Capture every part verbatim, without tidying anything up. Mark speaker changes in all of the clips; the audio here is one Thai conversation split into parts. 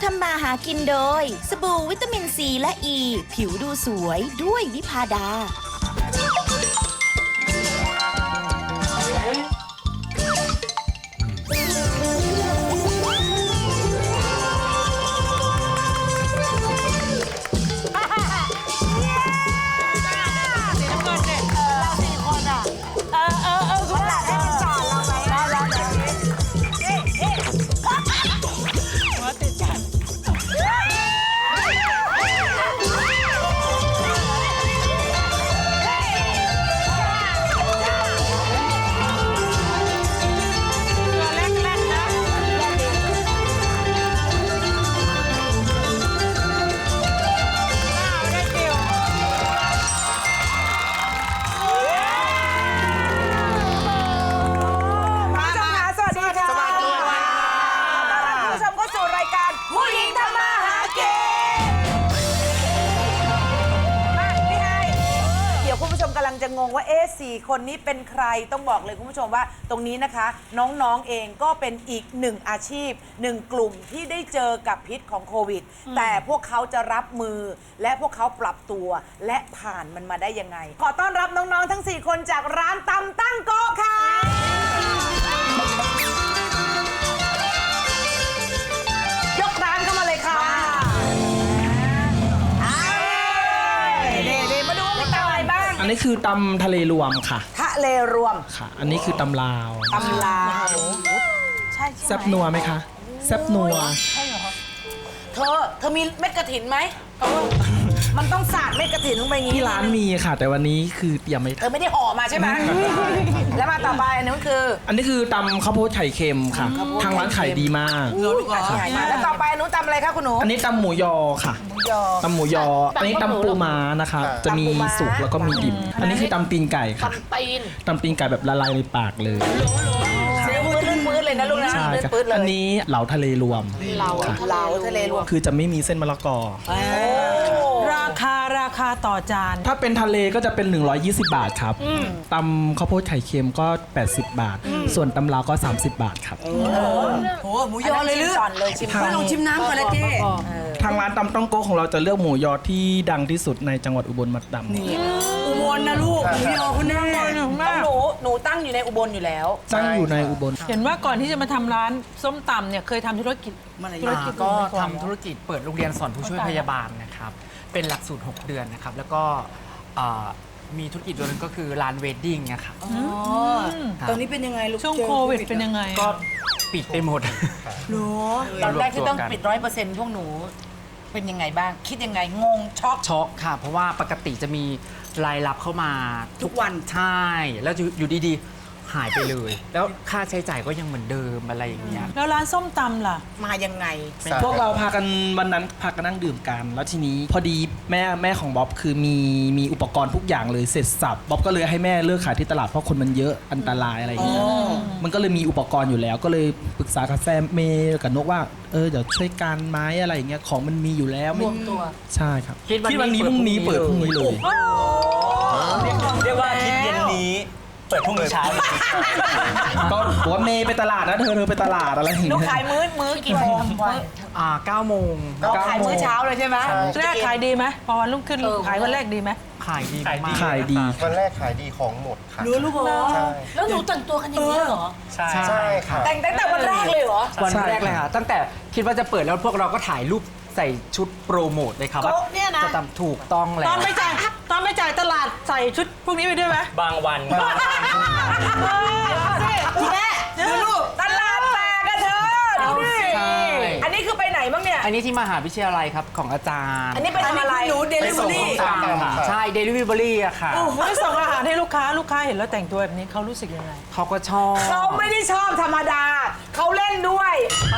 Speaker 1: ทำมาหากินโดยสบู่วิตามินซีและอ e, ีผิวดูสวยด้วยวิพาดา
Speaker 2: จะงงว่าเอ๊ะสี่คนนี้เป็นใครต้องบอกเลยคุณผู้ชมว่าตรงนี้นะคะน้องๆเองก็เป็นอีกหนึ่งอาชีพหนึ่งกลุ่มที่ได้เจอกับพิษของโควิดแต่พวกเขาจะรับมือและพวกเขาปรับตัวและผ่านมันมาได้ยังไงขอต้อนรับน้องๆทั้งสี่คนจากร้านตำตั้งโก๊ะค่ะยกร้านเข้ามาเลยค่ะ
Speaker 3: อันนี้คือตำทะเลรวมค่ะ
Speaker 2: ทะเลรวม
Speaker 3: ค่ะอันนี้คือตำลาว
Speaker 2: ตำลาวใช่
Speaker 3: แซ่บนัวไหมคะแซ่บนัว
Speaker 2: ใช่เหรอเธอเธอมีเม็ดกระถินไหมมันต้องสาดเม็ดกระถินลงไปอย่างนี้
Speaker 3: ที่ร้านมีค่ะแต่วันนี้คือเตรียมไม่
Speaker 2: เธอไม่ได้ห่อมาใช่ไหมแล้วมาต่อไปอันนี้คือ
Speaker 3: อันนี้คือตำข้าวโพดไข่เค็มค่ะทางร้านขายดีมาก
Speaker 2: แล้วต่อไปอันนู้นตำอะไรคะคุณหนู
Speaker 3: อันนี้ตำหมูยอค่ะตำหมูยออันนี้ตำปูม้านะคะจะมีสุกแล้วก็มีดิบอันนี้คือตำตีนไก่ค่ะตำตีนตำตีนไก่แบบละลายในปากเลย
Speaker 2: มืดเลยนะลูกนะมืดเลย
Speaker 3: อันนี้เหลาทะเลรวม
Speaker 2: เหลาเหลาทะเลรวม
Speaker 3: คือจะไม่มีเส้นมะละกอ
Speaker 4: ราคาราคาต่อจาน
Speaker 3: ถ้าเป็นทะเลก็จะเป็นหนึ่งร้อยยี่สิบบาทครับตำข้าวโพดไข่เค็มก็แปดสิบบาทส่วนตำลาวก็สามสิบบาทครับ
Speaker 2: โอ้โหหมูยอเลยหรือก่อนเลยชิมลองชิมน้ำก่อนเลยเจ๊
Speaker 3: ทางร้านตำต้องโก้ของเราจะเลือกหมูยอที่ดังที่สุดในจังหวัดอุบลมัดดำ
Speaker 2: นี่อุบลนะลูกหมูยอคุณแม่หนูหนูตั้งอยู่ในอุบลอยู่แล้ว
Speaker 3: ตั้งอยู่ในอุบล
Speaker 4: เห็นว่าก่อนที่จะมาทำร้านส้มตำเนี่ยเคยทำธุรกิจ
Speaker 5: ธุรกิจก็ทำธุรกิจเปิดโรงเรียนสอนผู้ช่วยพยาบาลนะครับเป็นหลักสูตรหกเดือนนะครับแล้วก็มีธุรกิจตัวนึงก็คือร้านเวดดิ้งนะครับ
Speaker 2: ตอนนี้เป็นยังไงลูก
Speaker 4: ช่วงโควิดเป็นยังไง
Speaker 5: ก็ปิดไปหมด
Speaker 2: หนูตอนแรกที่ต้องปิดร้อยเปอร์เซ็นต์พวกหนูเป็นยังไงบ้างคิดยังไงงงช็อก
Speaker 5: ช็อกค่ะเพราะว่าปกติจะมีรายรับเข้ามา
Speaker 2: ทุกวัน
Speaker 5: ใช่แล้วอยู่ดีๆหายไปเลยแล้วค่าใช้จ่ายก็ยังเหมือนเดิมอะไรอย่างเงี้ย
Speaker 4: แล้วร้านส้มตำล่ะ
Speaker 2: มายังไง
Speaker 3: พวกเราพากันวันนั้นพากันนั่งดื่มกันแล้วทีนี้พอดีแม่แม่ของบ๊อบคือมีมีอุปกรณ์ทุกอย่างเลยเสร็จสับบ๊อบก็เลยให้แม่เลิกขายที่ตลาดเพราะคนมันเยอะอันตรายอะไรอย่างเงี้ยมันก็เลยมีอุปกรณ์อยู่แล้วก็เลยปรึกษากับแฟนเมย์กับนกว่าเออเดี๋ยวช่วยกันไหมอะไรอย่างเงี้ยของมันมีอยู่แล้ว
Speaker 2: รวมตัว
Speaker 3: ใช่ครับคิดวันนี้พรุ่งนี้เปิดพรุ่งนี้เลย
Speaker 6: เรียกว่าคิดเย็นนี้เปิดพรุ่งนี้เช้า
Speaker 3: ก็บอกว่าเมย์ไปตลาดนะเธอเธอไปตลาดอะไรอย่างเงี้ย
Speaker 2: ลูกขายมื้อมื้อกี่โมง
Speaker 5: อ่าเก้าโมง
Speaker 2: ขายมื้อเช้าเลยใช่ไหม
Speaker 4: แรกขายดีไหมพอวันรุ่งขึ้นขายวันแรกดีไหม
Speaker 5: ขายดี
Speaker 3: ขายดี
Speaker 6: วันแรกขายดีของหมดค่ะ
Speaker 2: รู้ลูกเหรอแล้วหนูแต่งตัวกันอย่างนี้เหรอ
Speaker 6: ใช่ใช่ค่ะ
Speaker 2: แต่งตั้งแต่วันแรกเลยเหรอ
Speaker 5: วันแรกเลยค่ะตั้งแต่คิดว่าจะเปิดแล้วพวกเราก็ถ่ายรูปใส่ชุดโปรโมทเลยครับว่าจะทำถูกต้องแล้ว
Speaker 4: ตอนไม่จ่ายตอนไม่จ่ายตลาดใส่ชุดพวกนี้ไปด้วยไหม
Speaker 6: บางวัน
Speaker 2: คุณแม่ดูลูกตลาดแตกกันเธอดูดิอันนี้คือไปไหนบ้างเนี่ย
Speaker 5: อันนี้ที่มหาวิทยาลัยครับของอาจารย์
Speaker 2: อันนี้ไปทำอะไร
Speaker 5: หนูเดลิเวอรี่ใช่เดลิเวอรี่อะค่ะ
Speaker 4: โอ้โหส่งอาหารให้ลูกค้าลูกค้าเห็นแล้วแต่งตัวแบบนี้เขารู้สึกยังไง
Speaker 5: เขาก็ชอบ
Speaker 2: เขาไม่ได้ชอบธรรมดาเขาเล่นด้วย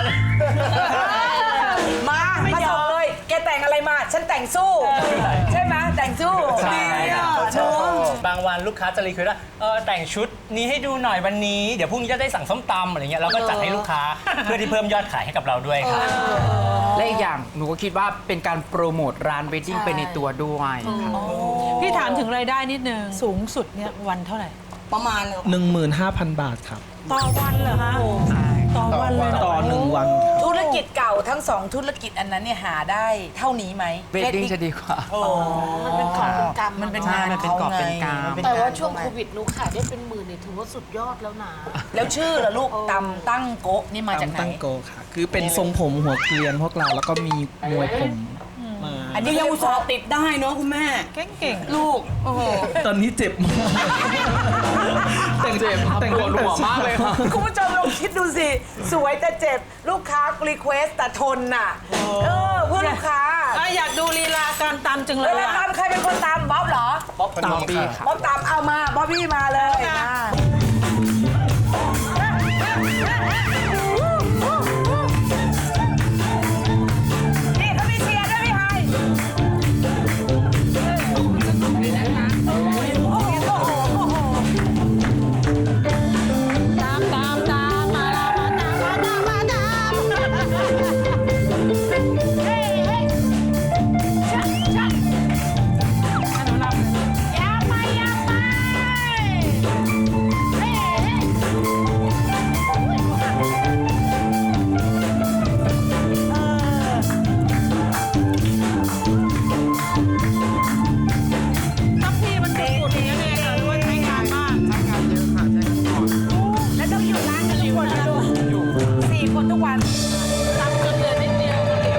Speaker 2: มามาส่งเลยแกแต่งอะไรมาฉันแต่งสู้ใช่ไหมแต่งสู้
Speaker 6: ดีอ่ะบางวันลูกค้าจะรีเควสว่าเออแต่งชุดนี้ให้ดูหน่อยวันนี้เดี๋ยวพรุ่งนี้จะได้สั่งส้มตำอะไรเงี้ยเราก็จัดให้ลูกค้าเพื่อที่เพิ่มยอดขายให้กับเราด้วยครับ
Speaker 5: และอีกอย่างหนูก็คิดว่าเป็นการโปรโมทร้านเวดดิ้งไปในตัวด้วย
Speaker 4: พี่ถามถึงรายได้นิดนึงสูงสุดเนี่ยวันเท่าไหร่
Speaker 2: ประมาณ
Speaker 3: หนึ่งหมื่นห้าพัน บาทครับ
Speaker 4: ต่อวันเหรอคะต่อวันเลย
Speaker 3: ต่อหนึ่งวัน
Speaker 2: ธุรกิจเก่าทั้งสองธุรกิจอันนั้นเนี่ยหาได้เท่านี้ไหม
Speaker 5: เวดดิ้งจะดีกว่า
Speaker 2: โอ้
Speaker 7: มันเป็นกอบเป็นกำ
Speaker 2: มันเป็น
Speaker 5: ใช่
Speaker 2: งาน
Speaker 5: มันเป็นกอบเป็นกำ
Speaker 2: ขงไง
Speaker 7: แต่ว่า
Speaker 2: มันเป็น
Speaker 7: ช่วง
Speaker 2: งาน
Speaker 7: โควิดหนูขายได้เป็นหมื่นเนี่ยถือว่าสุดยอดแล้วนะ
Speaker 2: แล้วชื่อล่ะลูกตำตั้งโกะนี่มาจากไหน
Speaker 3: ตั้งโกค่ะ คือเป็นทรงผมหัวเกลียนพวกเราแล้วก็มีมวยผมมา
Speaker 2: อันนี้ยังอุตส่าห์ติดได้เนาะคุณแม่
Speaker 4: เก่งๆ
Speaker 2: ลูกโอ้โห
Speaker 3: ตอนนี้เจ็บมากแต่งเจ็บแต่งปวดหัวมากเลยครับ
Speaker 2: คุณผู้ชมลองคิดดูสิ สวยแต่เจ็บ ลูกค้ารีเควสแต่ทนน่ะ เออ เพื่อลูกค้า
Speaker 4: อ่ะอยากดูลีลาการตำจังเล
Speaker 2: เวย ลา
Speaker 4: อ่ะ
Speaker 2: ตามใครเป็นคนตามบ๊อบเหรอ
Speaker 3: บ๊อบตามปีค่ะ
Speaker 2: บ๊อบตามเอามาบ๊อบบี้มาเลยมานี่เขามีเชียร์ด้วยพี่ไฮโอ้โหโอ้โหโอ้โห
Speaker 4: ตามตามตามมาแล้วมาตามมาตามมาตาม
Speaker 7: เฮ้ยเฮ้ยชักชักยาวไปยาวไปเฮ้ยเฮ้ย
Speaker 4: ทัพพี่มันสุดๆอย่างนี้ยเนี่ยด้วยใช้งานมาก
Speaker 2: แล้วต้องอยู่ร้านกันทุกคนนะลูกสี่คนทุกวัน
Speaker 4: ตำจนเหลือนิดเดียวก็เหลว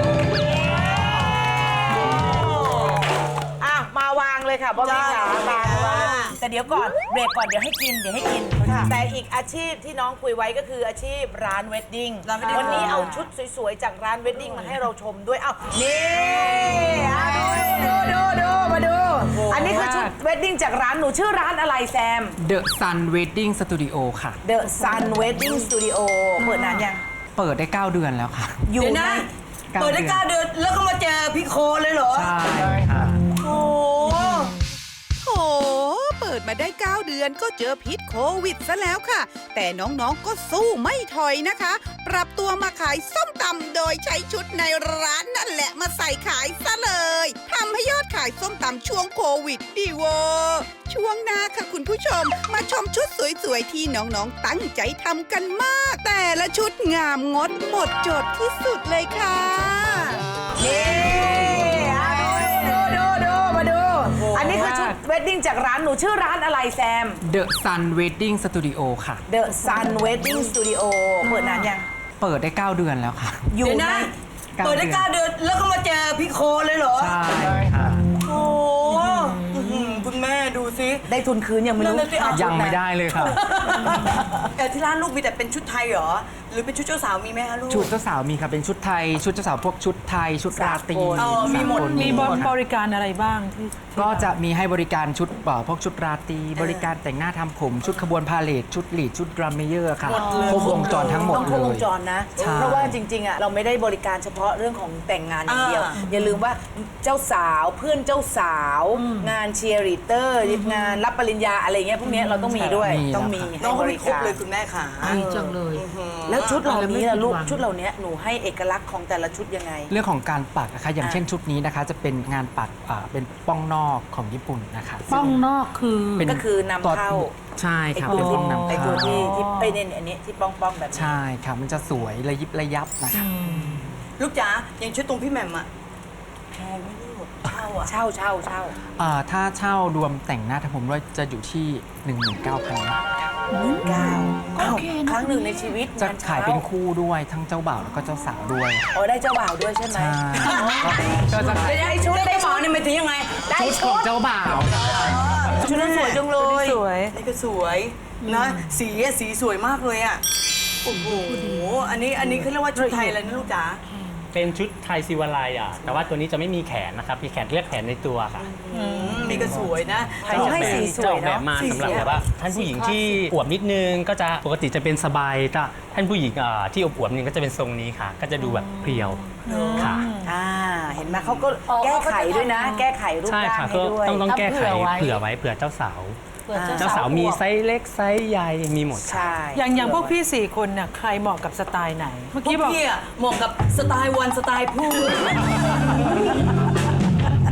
Speaker 2: อ่ะมาวางเลยค่ะบ๊อบบี้ค่ะวางวางแต่เดี๋ยวก่อนเบรกก่อนเดี๋ยวให้กินเดี๋ยวให้กิน แต่อีกอาชีพที่น้องคุยไว้ก็คืออาชีพร้านเวดดิ้งวันนี้เอาชุดสวยๆจากร้านเวดดิ้งมาให้เราชมด้วยเอ้านี่อ่ะดูดูดูมาดู อันนี้คือชุดเวดดิ้งจากร้านหนูชื่อร้านอะไรแซม
Speaker 5: The Sun Wedding Studio ค่ะ
Speaker 2: The Sun Wedding Studio เปิดนานยัง
Speaker 5: เปิดได้ เก้า เดือนแล้วค่ะ
Speaker 2: อยู่ใน
Speaker 5: เก้า
Speaker 2: เปิดได้เก้าเดือนแล้วก็มาเจอพี่โคเลยเหรอ
Speaker 5: ใช่ค่ะ
Speaker 2: โอ้
Speaker 8: โถเปิดมาได้ เก้า เดือนก็เจอพิษโควิดซะแล้วค่ะ แต่น้องๆก็สู้ไม่ถอยนะคะ ปรับตัวมาขายส้มตำโดยใช้ชุดในร้านนั่นแหละมาใส่ขายซะเลยทำให้ยอดขายส้มตำช่วงโควิดดีเวอร์ช่วงหน้าค่ะคุณผู้ชม มาชมชุดสวยๆ ที่น้องๆตั้งใจทำกันมาก แต่ละชุดงามงดหมดจดที่สุดเลยค่ะ
Speaker 2: นี่อ่ะดูดูดูมาดู อันนี้คือชุดเวดดิ้งจากร้านหนูชื่อร้านอะไรแซม
Speaker 5: The Sun Wedding Studio ค่ะ
Speaker 2: The Sun Wedding Studio เปิดนานยัง
Speaker 5: เปิดได้ เก้า เดือนแล้วค่ะ
Speaker 2: อยู่ใน
Speaker 5: เปิดได้เก้าเดือน
Speaker 2: แล้วก็มาเจอพี่โคเลยเหรอ
Speaker 5: ใช่ค่ะ
Speaker 2: โอ้คุณแม่ดูซิได้ทุนคืนยังไม่รู้
Speaker 5: ยังไม่ได้เลยค่ะ
Speaker 9: แต่ที่ร้านลูกมีแต่เป็นชุดไทยเหรอ หรือเป็นชุดเจ้าสาวมีไหมคะลูก
Speaker 5: ชุดเจ้าสาวมีค่ะเป็นชุดไทย ชุดเจ้าสาวพวกชุดไทย ชุดราตรี
Speaker 9: อ๋อมีหมด
Speaker 5: สากล
Speaker 4: มีบริการอะไรบ้างที่
Speaker 5: ก็จะมีให้บริการชุดเอ่อพวกชุดราตรีบริการแต่งหน้าทำผม ชุดขบวนพาเลทชุดลีดชุดดรัมเมเยอร์ค่ะครบวงจรทั้งหมด
Speaker 2: ต้องค
Speaker 5: เล
Speaker 2: รบวง
Speaker 5: ย
Speaker 2: จรนะ
Speaker 5: ใช่
Speaker 2: เพราะว่าจริงๆอ่ะเราไม่ได้บริการเฉพาะเรื่องของแต่งงานอย่างเดียว
Speaker 9: อ่า
Speaker 2: อย่าลืมว่าเจ้าสาวเพื่อนเจ้าสาว งานเชียร์ลีดเตอร์งานรับปริญญาอะไรเงี้ยพวกเนี้ยเราต้องมีด้วย
Speaker 5: มี
Speaker 2: ต้องมี
Speaker 9: น้
Speaker 2: ให้
Speaker 9: อง
Speaker 2: บ
Speaker 9: เขามี
Speaker 2: ริ
Speaker 9: ครบ
Speaker 2: การ
Speaker 9: เลยคุณแม่ค่ะ
Speaker 7: ดีจังเลย
Speaker 2: แล้วชุดเหล่านี้ล่ะลูก
Speaker 7: ไม่ผิดหวัง
Speaker 2: ชุดเหล่านี้หนูให้เอกลักษณ์ของแต่ละชุดยังไง
Speaker 5: เรื่องของการปักนะคะอย่าง
Speaker 2: อ่ะ
Speaker 5: เช่นชุดนี้นะคะ จะเป็นงานปักอ่าเป็นป้องนอกของญี่ปุ่นนะคะ
Speaker 7: ป้องนอกคือ
Speaker 5: เป็น
Speaker 2: ก็คือนำเข้า
Speaker 5: ใช่
Speaker 2: ไอ้
Speaker 5: ค่ะ
Speaker 2: ตัว
Speaker 5: เป็น
Speaker 2: ที่
Speaker 5: ป้องนำ
Speaker 2: ไอ้
Speaker 5: เข้า
Speaker 2: ตัวที่ที่ไอ้เนี่ยอันนี้ที่ป้องป้องๆแบบนี้
Speaker 5: ใช่ค่ะมันจะสวยระยิบระยับนะคะ
Speaker 9: ลูกจ๋าอย่างชุดตรงพี่แหม่มอะแพงไหม่ลูกเช่าอะ
Speaker 2: เช่าเช่าเช่า
Speaker 5: อ่าถ้าเช่ารวมแต่งหน้าทำผมด้วยจะอยู่ที่ หนึ่งหมื่นเก้าพัน บาทค่ะ
Speaker 2: เก้า
Speaker 7: โอเคนะ
Speaker 2: ครั้งหนึ่งในชีวิต
Speaker 5: จะ
Speaker 2: งาน
Speaker 5: ขาย
Speaker 2: เช้า
Speaker 5: เป็นคู่ด้วยทั้งเจ้าบ่าวแล้วก็เจ้าสาวด้วย
Speaker 2: อ๋อได้เจ้าบ่าวด้วยใช่ไหม
Speaker 5: ใช่ก็จะขาย
Speaker 2: ได้ชุดได้
Speaker 9: ได้
Speaker 2: ชุ
Speaker 9: หมอ
Speaker 2: ด
Speaker 9: เนี่ยมันถึงยังไง
Speaker 2: ได้
Speaker 5: ชุดข
Speaker 2: ชุ
Speaker 5: อง
Speaker 2: ด
Speaker 5: เจ้าบ่าว
Speaker 2: ชุดนั้นสวยจังเลย
Speaker 4: สวย
Speaker 9: นี่ก็สวยนะ สีอะสีสวยมากเลยอะโอ้โห อันนี้อันนี้เขาเรียกว่าชุดไทยอะไรนะลูกจ๋า
Speaker 6: เป็นชุดไทยซิวาไลอ่ะ แต่ว่าตัวนี้จะไม่มีแขนนะครับมีแขนเรียกแขนในตัวค่ะ
Speaker 9: อืมนี่ก็สวยนะ
Speaker 2: เขาให้สีส
Speaker 6: จะ
Speaker 2: ว
Speaker 6: อย อกแบบ
Speaker 2: เนาะ
Speaker 6: มา
Speaker 2: สี
Speaker 6: สำหรับ
Speaker 2: เสีย
Speaker 6: แบบว่าท่านผู้หญิงที่อวบนิดนึงก็จะปกติจะเป็นสบายแต่ท่านผู้หญิงอ่าที่อวบๆนึงก็จะเป็นทรงนี้ค่ะ ก็จะดูแบบเพรียวค่ะ
Speaker 2: อ่าเห็นไหมเขาก็
Speaker 7: อ๋อ
Speaker 2: แก้ไขด้วยนะ
Speaker 7: เขาก็จะทำ
Speaker 2: แก้ไขรูป
Speaker 6: ใช่
Speaker 2: ร่าง
Speaker 6: ค่ะ
Speaker 2: ให้
Speaker 6: ก็
Speaker 2: ด้วย
Speaker 6: ต้องต้องแก้ไข
Speaker 7: เอาเผื่
Speaker 6: เผื่
Speaker 7: อ
Speaker 6: อ
Speaker 7: ไว้
Speaker 6: ไว้เผื่อเจ้าสาว
Speaker 7: เผื่อ
Speaker 6: เจ้าสาวมีไซส์เล็กไซส์ใหญ่มีหมดค่ะ
Speaker 2: ใช่
Speaker 4: อย่างอย่างพวกพี่สี่คนน่ะใครเหมาะกับสไตล์ไหน เมื่อ
Speaker 9: พว
Speaker 4: กี้
Speaker 9: ก
Speaker 4: บอก
Speaker 9: พี่อะเหมาะกับสไตล์วันสไตล์ผู้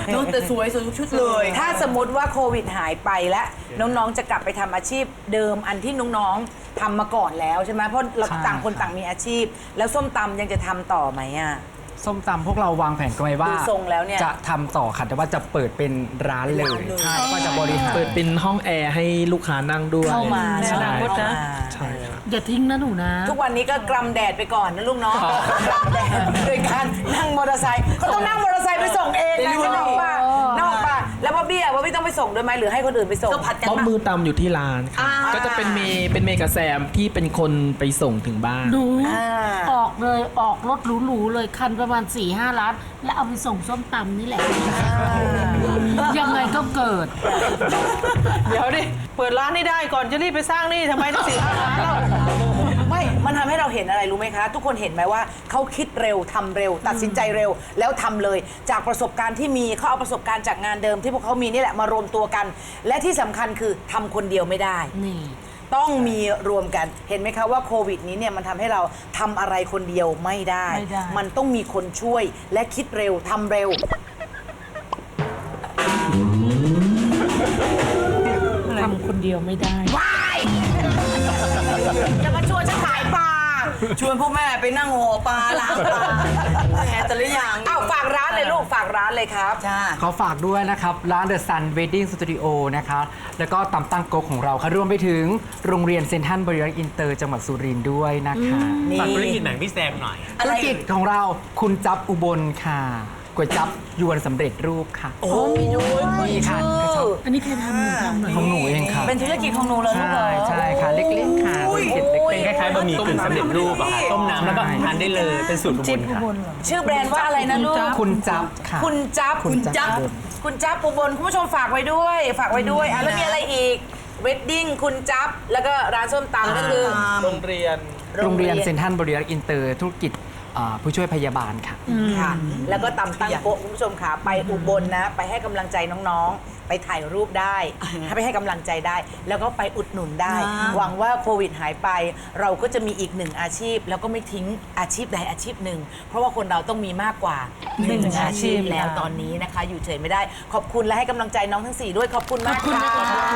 Speaker 9: น้องแต่สวยสวยทุกชุดเลย
Speaker 2: ถ้าสมมติว่าโควิดหายไปแล้วน้องๆจะกลับไปทำอาชีพเดิมอันที่น้องๆทำมาก่อนแล้วใช่ไหมเพราะเรา
Speaker 5: ใช่
Speaker 2: ต่างคน
Speaker 5: ครับ
Speaker 2: ต่างมีอาชีพ แล้วส้มตำยังจะทำต่อไหมอ่ะ
Speaker 5: ส้มตำพวกเราวางแผนกันไว้ว่า
Speaker 2: ดูทรงแล้วเนี่ย
Speaker 5: จะทำต่อค่ะแต่ว่าจะเปิดเป็นร้านเลยใช่ก็จะบริหาร
Speaker 3: เปิดเป็นห้องแอร์ให้ลูกค้านั่งด้วย
Speaker 2: เข้ามา
Speaker 3: ใช่
Speaker 2: เข้ามา
Speaker 3: ใช่ครับ
Speaker 4: อย่าทิ้งนะหนูนะ
Speaker 2: ทุกวันนี้ก็กรำแดดไปก่อนนะลูกเนาะกรำแดดโดยการนั่งมอเตอร์ไซค์เขาต้องนั่งมอเตอร์ไซค์ไปส่งเองนะใช่ไหมป่ะนอกป่ะแล้วพ่อบี้อ่ะพ่อบี้ต้องไปส่งด้วยไหมหรือให้คนอื่นไปส่ง
Speaker 9: ก็ผัดกัน
Speaker 3: บ๊อบมือตำอยู่ที่ร้านค่ะก็จะเป็นเมย์เป็นเมย์กับแซมที่เป็นคนไปส่งถึงบ้าน
Speaker 4: หนู
Speaker 2: อ่า
Speaker 4: ออกเลยออกรถหรูๆเลยคันประมาณ4ี่ห้าล้าน แล้วเอาไปส่งส้มตำนี่แหละ ยังไงก็เกิด
Speaker 10: เดี๋ยวดิ เปิดร้านนี่ได้ก่อนจะรีบไปสร้างนี่ทำไมต้องสี่ห้าล้านแล้ว
Speaker 2: ไม่มันทำให้เราเห็นอะไรรู้ไหมคะ ทุกคนเห็นไหมว่าเขาคิดเร็วทำเร็ว ตัดสินใจเร็ว แล้วทำเลย จากประสบการณ์ที่มีเขาเอาประสบการณ์จากงานเดิมที่พวกเขามีนี่แหละมารวมตัวกัน และที่สำคัญคือทำคนเดียวไม่ได้
Speaker 4: นี่
Speaker 2: ต้องมีรวมกัน เห็นไหมคะว่าโควิดนี้เนี่ยมันทำให้เราทำอะไรคนเดียวไม่ได้
Speaker 4: ไม่ได้
Speaker 2: มันต้องมีคนช่วยและคิดเร็วทำเร็ว
Speaker 4: ทำคนเดียวไม่ได้
Speaker 2: จะมาชวนฉันขายปลา
Speaker 9: ชวนพ่อแม่ไปนั่งห่อปลาล้างปลาแหมแต่ละอย่าง
Speaker 2: อ้าวฝากร้านเลยลูกฝากร้านเลยครับ
Speaker 9: จ้า
Speaker 5: ขอฝากด้วยนะครับ ร้าน The Sun Wedding Studio นะคะแล้วก็ตำตั้งโกกของเราค่ะรวมไปถึงโรงเรียนเซนทรัลบริรักษ์อินเตอร์จังหวัดสุรินทร์ด้วยนะคะ
Speaker 6: ฝากธุรกิจหนังพี่แซมหน่อย
Speaker 5: ธุรกิจของเราคุณจับอุบลค่ะก๋วยจับยวนสำเร็จรูปค่ะ
Speaker 2: โอ้มีด้วย
Speaker 5: มีค่ะ
Speaker 4: อันนี้ใครทำหนูทำหน่อย
Speaker 5: ของหนูเองค่ะ
Speaker 9: เป็นธุรกิจของหนูเลยลูกเหร
Speaker 5: ใช่
Speaker 9: อ
Speaker 5: ใช่ค่ะเล็กๆค่ะธุรกิจเล็ก
Speaker 6: เป็นคล้ายๆบะหมี่กึ่งสำเร็จรูปอะค่ะต้มน้ำแล้วก็ทานได้เลยเป็นสูตรอุบลค่ะ
Speaker 2: ชื่อแบรนด์ว่าอะไรนะลูก
Speaker 5: ๆคุณจับค่ะ
Speaker 2: คุณจับ
Speaker 5: คุณจั๊บ
Speaker 2: คุณจับอุบลคุณผู้ชมฝากไว้ด้วย ฝากไว้ด้วยอ่ะแล้วมีอะไรอีกเวดดิ้งคุณจับแล้วก็ร้านส้มตำก็คือ
Speaker 3: โรงเรียน
Speaker 5: โรงเรียนเซนทรัลบริรักษ์อินเตอร์ธุรกิจอ่าผู้ช่วยพยาบาลค่ะ
Speaker 2: ค่ะ แล้วก็ตำตั้งโป๊ะคุณผู้ชมค่ะไปอุบลนะ ไปให้กำลังใจน้องๆ ไปถ่ายรูปได้ไปให้กำลังใจได้ แล้วก็ไปอุดหนุนได้ หวังว่าโควิดหายไป เราก็จะมีอีกหนึ่งอาชีพ แล้วก็ไม่ทิ้งอาชีพใดอาชีพหนึ่ง เพราะว่าคนเราต้องมีมากกว่าหนึ่งอาชีพแล้วตอนนี้นะคะ อยู่เฉยไม่ได้ ขอบคุณและให้กำลังใจน้องทั้งสี่ด้วยขอบคุณมากค่ะ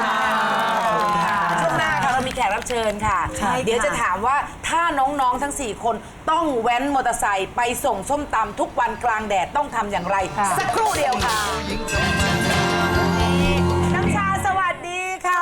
Speaker 2: ช่วงหน้าค่ะเรามีแขกรับเชิญค่ะ เดี๋ยวจะถามว่าถ้าน้องๆทั้งสี่คนต้องแว้นมอเตอร์ไซค์ไปส่งส้มตำทุกวันกลางแดดต้องทำอย่างไร สักครู่เดียวค่ะ น้ำชาสวัสดีค่ะ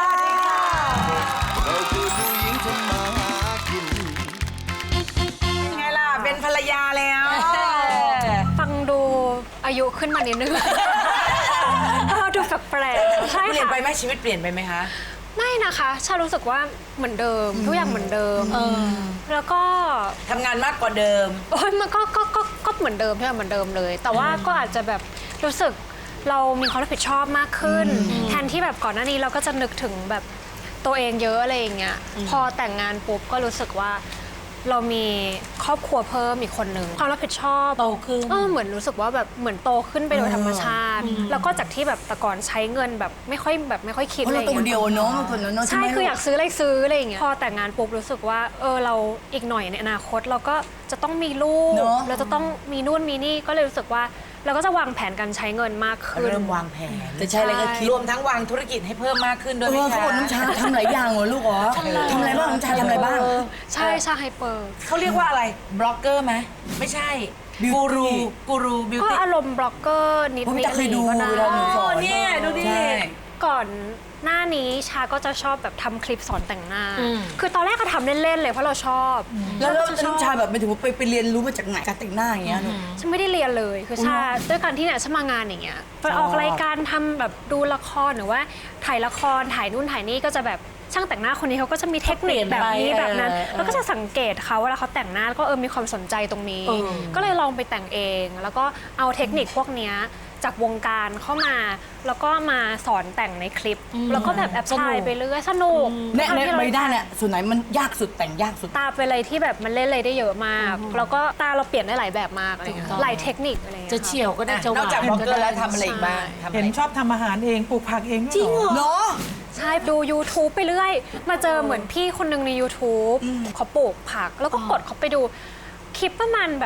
Speaker 2: ไงล่ะ เป็นภรรยาแล้ว
Speaker 11: ฟังดูอายุขึ้นมานิดนึง เออดูแปลกๆใช่
Speaker 2: เปลี่ยน
Speaker 11: ค่ะ
Speaker 2: ไปไหมชีวิตเปลี่ยนไปไหมคะ
Speaker 11: ไม่นะคะชารู้สึกว่าเหมือนเดิม ทุกอย่างเหมือนเดิมแล้วก็
Speaker 2: ทำงานมากกว่าเดิม
Speaker 11: โอ้ยมันก็ก็ก็ก็เหมือนเดิมทุกอย่างเหมือนเดิมเลย แต่ว่าก็อาจจะแบบรู้สึกเรามีความรับผิดชอบมากขึ้น แทนที่แบบก่อนหน้านี้เราก็จะนึกถึงแบบตัวเองเยอะอะไรอย่างเงี้ยพอแต่งงานปุ๊บก็รู้สึกว่าเรามีครอบครัวเพิ่มอีกคนนึงความรับผิดชอบ
Speaker 4: โตขึ้น
Speaker 11: เออเหมือนรู้สึกว่าแบบเหมือนโตขึ้นไปโดยธรรมชาติ แล้วก็จากที่แบบแต่ก่อนใช้เงินแบบไม่ค่อยแบบไม่ค่อยคิด
Speaker 9: เพราะ
Speaker 11: อะไรอ
Speaker 9: เรา
Speaker 11: ย่าง
Speaker 9: ตัวเดี
Speaker 11: เงี้
Speaker 9: ยวย เนาะมันคนละเนาะ
Speaker 11: ใช่
Speaker 9: ไหม
Speaker 11: คืออยากซื้ออะไรซื้ออะไรอย่างเงี้ยพอแต่งงานปุ๊บรู้สึกว่าเออเราอีกหน่อยในอนาคตเราก็จะต้องมีลูก
Speaker 9: เนอะ
Speaker 11: เราจะต้องมีนู่นมีนี่ก็เลยรู้สึกว่าเราก็จะวางแผนการใช้เงินมากขึ้น
Speaker 2: เริ่มวางแผน
Speaker 9: แต่ใช่อะไรก็คิด
Speaker 2: รวมทั้งวางธุรกิจให้เพิ่มมากขึ้นด้วย
Speaker 9: เอ
Speaker 2: ไหม
Speaker 9: อเขา
Speaker 2: คะ
Speaker 9: บอกน้ำชาทำหลายอย่างเหรอลูกเหรอทำอะไรบ้างน้ำชาทำอะไรบ้าง
Speaker 11: ใช่ใช่ไฮเปอร์
Speaker 2: เขาเรียกว่าอะไร บล็อกเกอร์ไหม ไม่ใช่ กูรู กูรูบิว
Speaker 11: ก็
Speaker 2: ตี้
Speaker 11: อารมณ์บล็อกเกอร์นิด
Speaker 9: ผม
Speaker 11: นิด
Speaker 9: จะเคยดู
Speaker 11: ก็ได้
Speaker 9: เวลาหนูสอน
Speaker 2: เนี่ยดูดิ
Speaker 9: ใช่
Speaker 11: ก่อนหน้านี้ชาก็จะชอบแบบทำคลิปสอนแต่งหน้า คือตอนแรกก็ทำเล่นๆเลยเพราะเราชอบ
Speaker 9: แล้วแล้ว
Speaker 11: ก็จะชอบ
Speaker 9: น้ำชาแบบไม่ถือว่าไปไปเรียนรู้มาจากไหนการแต่งหน้าอย่างเงี้ยหนู
Speaker 11: ฉันไม่ได้เรียนเลยคือชาด้วยการที่เนี่ยฉันมางานอย่างเงี้ยไปออกรายการทำแบบดูละครหรือว่าถ่ายละครถ่ายนู่นถ่ายนี่ก็จะแบบช่างแต่งหน้าคนนี้เขาก็จะมีเทคนิคแบบนี้แบบนั้น แล้วก็จะสังเกตเขาเวลาเขาแต่งหน้าแล้วก็เออมีความสนใจตรงนี้ ก็เลยลองไปแต่งเอง แล้วก็เอาเทคนิคพวกเนี้ยจากวงการเข้ามา แล้วก็มาสอนแต่งในคลิป แล้วก็แบบแอบถ่ายไปเรื่อยสนุก
Speaker 9: ในใน
Speaker 11: ที่เรา
Speaker 9: ใบด้านเนี่ยส่วนไหนมันยากสุดแต่งยากสุด
Speaker 11: ตาเป็นอะไรที่แบบมันเล่นอะไรได้เยอะมาก แล้วก็ตาเราเปลี่ยนได้หลายแบบมากอะไรเงี้ยหลายเทคนิคอะไรเงี้ย
Speaker 4: จะเฉียวก็ได้จะห
Speaker 2: นอก
Speaker 4: วาน
Speaker 2: จากบล็อกเกอร์แล้วทำอะไร
Speaker 11: ใช่
Speaker 2: อีกบ้างทำอะไร
Speaker 10: เห็นชอบทำอาหารเองปลูกผักเองจริงเหรอ
Speaker 9: เนาะ
Speaker 11: ใช่ดู YouTube ไปเรื่อย มาเจอเหมือนพี่คนหนึ่งใน YouTube เขาปลูกผัก แล้วก็กดเขาไปดูคลิปประมาณแบบ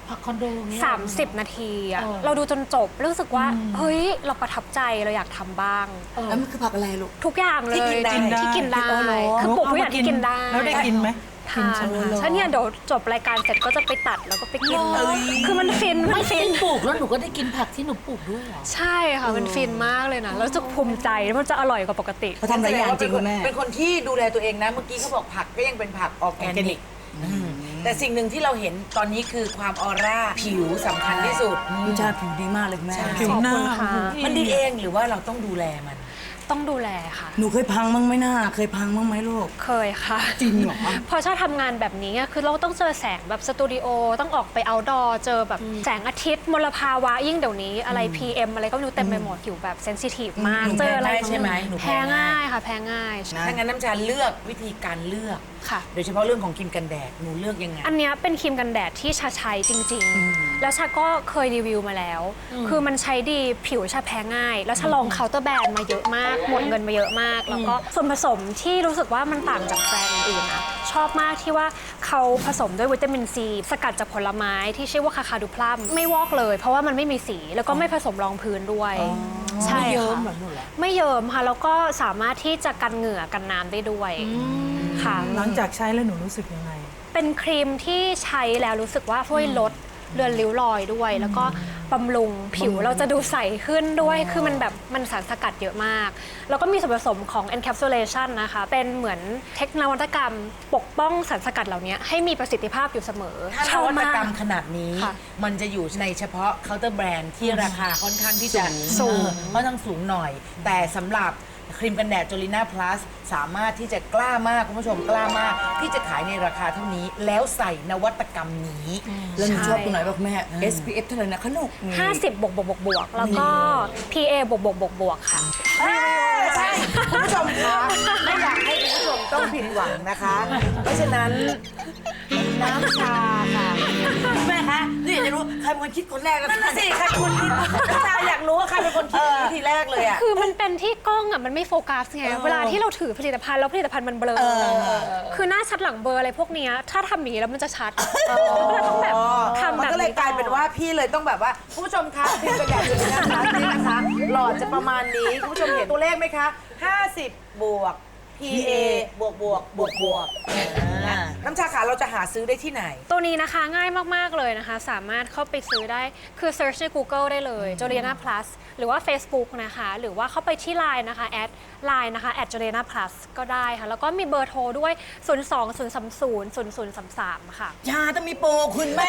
Speaker 4: พักคอนโดเนี่ย
Speaker 11: สามสิบ นาทีอะ
Speaker 4: เออ
Speaker 11: เราดูจนจบรู้สึกว่าเฮ้ยเราประทับใจเราอยากทำบ้าง
Speaker 9: แล้วมันคือผักอะไรลูก
Speaker 11: ทุกอย่างเลย
Speaker 9: ที่กินได้
Speaker 11: ที่กินได้
Speaker 9: อ๋อเหรอ
Speaker 11: คือปลูกทุกอย่างที่กินได้
Speaker 10: แล้วได้กินไหม
Speaker 11: ทานค่ะฉันเนี่ยเดี๋ยวจบรายการเสร็จก็จะไปตัดแล้วก็ไปกิน
Speaker 9: เอ้ย
Speaker 11: คือมันฟิน
Speaker 4: ไม่
Speaker 11: มันฟิ
Speaker 4: ฟิ
Speaker 11: น
Speaker 4: นปลูกแล้วหนูก็ได้กินผักที่หนูปลูกด้วยเหรอ
Speaker 11: ใช่ค่ะมันฟินมากเลยนะแล้วรู้สึกภูมิใจแล้วมันจะอร่อยกว่าปกติ
Speaker 9: เขาทำหลายอย่างจริงคุณแม่
Speaker 2: เป็นคนที่ดูแลตัวเองนะ เมื่อกี้เขาบอกผักก็ยังเป็นผักออร์แกนิกอืมแต่สิ่งหนึ่งที่เราเห็นตอนนี้คือความออร่าผิวสำคัญที่สุด
Speaker 9: นิชาผิวดีมากเลยคุณแม่
Speaker 10: ผิวหน้า
Speaker 11: ขอบคุณค่ะ
Speaker 2: มันดีเองหรือว่าเราต้องดูแลมัน
Speaker 11: ต้องดูแลค่ะ
Speaker 9: หนูเคยพังมั้งไหมน่าเคยพังมั้งไหมลูก
Speaker 11: เคยค่ะ
Speaker 9: จริงเหรอ
Speaker 11: พอชอบทำงานแบบนี้อะคือเราต้องเจอแสงแบบสตูดิโอต้องออกไปเอาท์ดอร์เจอแบบแสงอาทิตย์มลภาวะยิ่งเดี๋ยวนี้อะไร พี เอ็ม อะไรก็ไม่รู้เต็มไปหมดผิวแบบเซนซิทีฟมาก
Speaker 2: หนู
Speaker 11: เจออะไร
Speaker 2: แพ้ง่ายใช่ไหมหนูแพ้
Speaker 11: แพ้
Speaker 2: ง่า
Speaker 11: ง่าย ยค่ะแพ้ง่าย
Speaker 2: ถ้างั้นน้ำชาเลือกวิธีการเลือก
Speaker 11: ค่ะ
Speaker 2: โดยเฉพาะเรื่องของครีมกันแดดหนูเลือกยังไง
Speaker 11: อันเนี้ยเป็นครีมกันแดดที่ชาใช้จริง ๆ แล้วชาก็เคยรีวิวมาแล้ว คือมันใช้ดีผิวชาแพ้ง่าย แล้วชาลองเคาน์เตอร์แบรนด์มาเยอะมาก หมดเงินมาเยอะมาก แล้วก็ส่วนผสมที่รู้สึกว่ามันต่างจากแบรนด์อื่นๆนะชอบมากที่ว่าเขาผสมด้วยวิตามินซีสกัดจากผลไม้ที่ชื่อว่าคาคาดูพลัมไม่วอกเลย เพราะว่ามันไม่มีสีแล้วก็ไม่ผสมรองพื้นด้วยใช่
Speaker 4: ไม่เยิ้ม
Speaker 11: ค่ะ
Speaker 4: เหรอหนูเหรอ
Speaker 11: ไม่เยิ้มค่ะแล้วก็สามารถที่จะกันเหงื่อกันน้ำได้ด้วยค่ะ
Speaker 10: หลังจากใช้แล้วหนูรู้สึกยังไง
Speaker 11: เป็นครีมที่ใช้แล้วรู้สึกว่าช่วยลดเลือนริ้วรอยด้วย แล้วก็บำรุงผิวเราจะดูใสขึ้นด้วย คือมันแบบมันสารสกัดเยอะมาก แล้วก็มีส่วนผสมของ encapsulation นะคะ เป็นเหมือนเทคโนโลยีกรรมปกป้องสารสกัดเหล่านี้ให้มีประสิทธิภาพอยู่เสมอ
Speaker 2: ถ้านวัตกรรมขนาดนี้
Speaker 11: ค่ะ
Speaker 2: มันจะอยู่ในเฉพาะเคาน์เตอร์แบรนด์ที่ราคาค่อนข้างที่จะ
Speaker 11: สูง
Speaker 2: เออค่อนข้างสูงหน่อย แต่สำหรับครีมกันแดดจลิน่าพลัสสามารถที่จะกล้ามาก คุณผู้ชมกล้ามาก ที่จะขายในราคาเท่านี้ แล้วใส่นวัตกรรมนี้
Speaker 9: แล้วหนูชอบตรงไหนบ้างแม่ เอส พี เอฟ เท่าไหร่นะคะลูก
Speaker 11: ห้าสิบบวกบวกบวกบวกแล้วก็ พี เอ บวกบวกบวกบวกค่ะ
Speaker 2: ใช่ คุณผู้ชมคะไม่อยากให้คุณผู้ชมต้องผิดหวังนะคะ เพราะฉะนั้นน้ำชาค่ะ
Speaker 9: แม่คะนี่อยากจะรู้ใครเป็นคนคิดคนแรกแล้ว
Speaker 2: นั่นน่ะสิใครเป็นคนคิดน้ำชาอยากรู้ว่าใครเป็นคนคิดวิธีแรกเลยอ่ะ
Speaker 11: คือมันเป็นที่กล้องอ่ะมันไม่โฟกัสไงเวลาที่เราถือผลิตภัณฑ์แล้วผลิตภัณฑ์มันเบลอคือหน้าชัดหลังเบลออะไรพวกเนี้ยถ้าทำอย่างนี้แล้วมันจะชัดก็เลยต้องแบบทำ
Speaker 2: มัน
Speaker 11: แบบ
Speaker 2: ก็เลยกลายเป็นว่าพี่เลยต้องแบบว่าคุณผู้ชมคะพิมพ์กันแบบนี้นะคะนี่นะคะหลอดจะประมาณนี้คุณผู้ชมเห็นตัวเลขไหมคะ ห้าสิบ บวก พี เอ บวกบวกบวกบวกอ่าน้ำชาขาเราจะหาซื้อได้ที่ไหน
Speaker 11: ตัวนี้นะคะง่ายมาก ๆ เลยนะคะ สามารถเข้าไปซื้อได้คือ search ใน Google ได้เลย Jolena Plus หรือว่า Facebook นะคะ หรือว่าเข้าไปที่ ไลน์ นะคะแอด ไลน์ นะคะ แอด Jolena Plus ก็ได้ค่ะ แล้วก็มีเบอร์โทรด้วย ศูนย์ สอง ศูนย์ สาม ศูนย์ ศูนย์ ศูนย์ สาม สาม ค่ะ
Speaker 9: ชาต้องมีโปรคุณแม่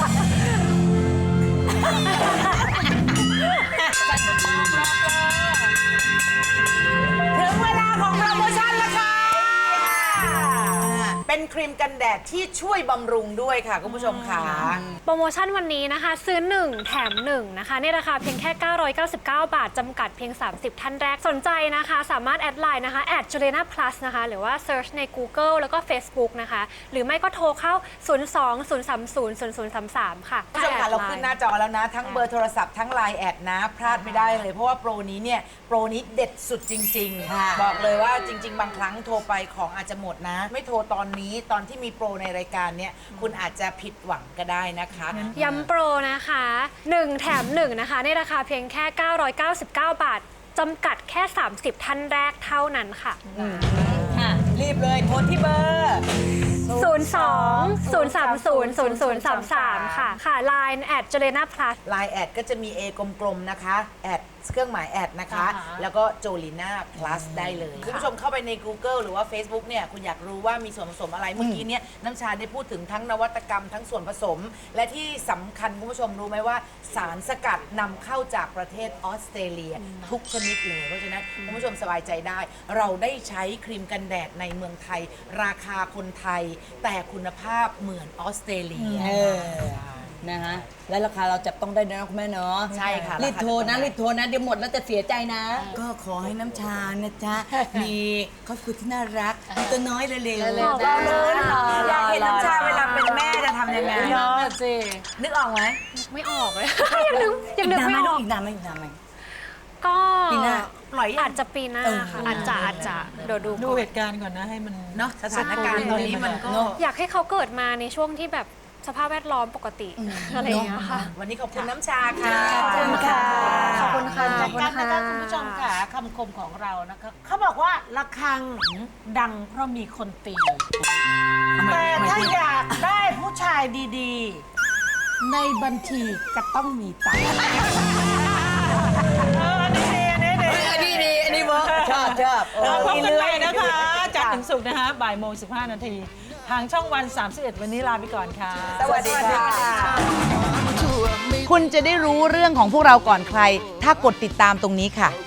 Speaker 2: ถึงเวลาของโปรโมชั่นแล้วค่ะ เป็นครีมกันแดดที่ช่วยบำรุงด้วยค่ะ คุณผู้ชมค่ะ
Speaker 11: โปรโมชั่นวันนี้นะคะ ซื้อ หนึ่ง แถม หนึ่ง นะคะในราคาเพียงแค่ เก้าร้อยเก้าสิบเก้า บาท จำกัดเพียง สามสิบ ท่านแรกสนใจนะคะ สามารถแอดไลน์นะคะ แอด Jolena Plus นะคะ หรือว่า search ใน Google แล้วก็ Facebook นะคะ หรือไม่ก็โทรเข้า ศูนย์ สอง ศูนย์ สาม ศูนย์ ศูนย์ ศูนย์ สาม สาม ค่ะ
Speaker 2: คุณผู้ชมค่ะเราขึ้นหน้าจอแล้วนะ ทั้งเบอร์โทรศัพท์ทั้งไลน์แอดนะ พลาดไม่ได้เลย เพราะว่าโปรนี้เนี่ย โปรนี้เด็ดสุดจริง ๆ บอกเลยว่าจริง ๆ บางครั้งโทรไปของอาจจะหมดนะ ไม่โทรตอนนี้ตอนที่มีโปรในรายการเนี่ยคุณอาจจะผิดหวังก็ได้นะคะ
Speaker 11: ย้ำโปรนะคะ หนึ่ง แถม หนึ่ง นะคะในราคาเพียงแค่ เก้าร้อยเก้าสิบเก้า บาท จำกัดแค่ สามสิบ ท่านแรกเท่านั้นค่ะ
Speaker 9: รีบเลยโทรที่เบอร์
Speaker 11: ศูนย์ สอง ศูนย์ สาม ศูนย์ ศูนย์ ศูนย์ สาม สาม ค่ะ ค่ะ ไลน์ แอด Jolena Plus
Speaker 2: ไลน์แอดก็จะมี A กลมๆนะคะแอดเครื่องหมายแอดนะคะ
Speaker 4: อ่าฮะ
Speaker 2: แล้วก็ Jolena Plus ได้เลย คุณผู้ชมเข้าไปใน Google หรือว่า Facebook เนี่ยคุณอยากรู้ว่ามีส่วนผสมอะไรเมื่อกี้เนี่ยน้ำชาได้พูดถึงทั้งนวัตกรรมทั้งส่วนผสม และที่สำคัญคุณผู้ชมรู้ไหมว่า สารสกัดนำเข้าจากประเทศออสเตรเลียทุกชนิดเลย เพราะฉะนั้นคุณผู้ชมสบายใจได้ เราได้ใช้ครีมกันแดดในเมืองไทย ราคาคนไทย แต่คุณภาพเหมือนออสเตรเลีย
Speaker 9: เออ นะฮะ และราคาเราจับต้องได้ด้วยนะคุณแม่เนาะ
Speaker 2: ใช่ค่ะ
Speaker 9: รีบโทรนะ
Speaker 2: ราคาจับต้องได้
Speaker 9: รีบโทรนะ เดี๋ยวหมดแล้วจะเสียใจนะ ก็ขอให้น้ำชานะจ๊ะ มีครอบครัวที่น่ารักมีตัวน้อยเร็วๆ
Speaker 2: ขอบคุณอยากเห็นน้ำชาเวลาเป็นแม่จะทำยังไง
Speaker 4: เนาะสิ
Speaker 2: นึกออกไหม
Speaker 11: ไม่ออกเลย ยังนึกยังนึก
Speaker 9: อีกนาน
Speaker 11: ไม่
Speaker 9: ไหม
Speaker 11: อ
Speaker 9: ลู
Speaker 11: อก ก
Speaker 9: อีกนานไหมอีกนานไหม
Speaker 11: ก็
Speaker 9: ปีหน้า
Speaker 2: ปล่อยยัง
Speaker 11: อาจจะปีหน้าค่ะอาจจะอาจจะเดี๋ยวดู
Speaker 10: ดู
Speaker 11: ก่อน
Speaker 10: เหตุการณ์ก่อนนะให้มัน
Speaker 2: เนาะสถานการณ์ตอนนี้มันก็
Speaker 11: อยากให้เขาเกิดมาในช่วงที่แบบสภาพแวดล้อมปกติอะไรอย่างเงี้ยค่ะ
Speaker 2: วันนี้ขอบคุณน้ำชาค่ะ
Speaker 11: ขอบคุณค่ะ ขอบคุณค่ะ
Speaker 4: ข
Speaker 11: ข
Speaker 4: อ
Speaker 11: อ
Speaker 4: บบ คุ
Speaker 11: คุณ ณ
Speaker 4: ค่ะ
Speaker 11: ค่ะ
Speaker 4: คุณผู้ชมค่ะคำคมของเรานะคะเขาบอกว่าระฆังดังเพราะมีคนตี แต่ถ้าอยากได้ผู้ชายดีๆ ในบัญชีก็ต้องมีตังค์
Speaker 10: อันนี้ดีอันนี้ดี
Speaker 9: อันนี้ดีอันนี้เวิร์กชอบชอบ
Speaker 10: เออพบกันใหม่นะคะจันทร์ถึงศุกร์นะคะบ่ายโมงสิบห้านาทีทางช่องวันสามสิบเอ็ดวันนี้ลาไปก่อนค่ะ
Speaker 2: สวัสดีค่ะ
Speaker 12: คุณจะได้รู้เรื่องของพวกเราก่อนใคร ถ้ากดติดตามตรงนี้ค่ะ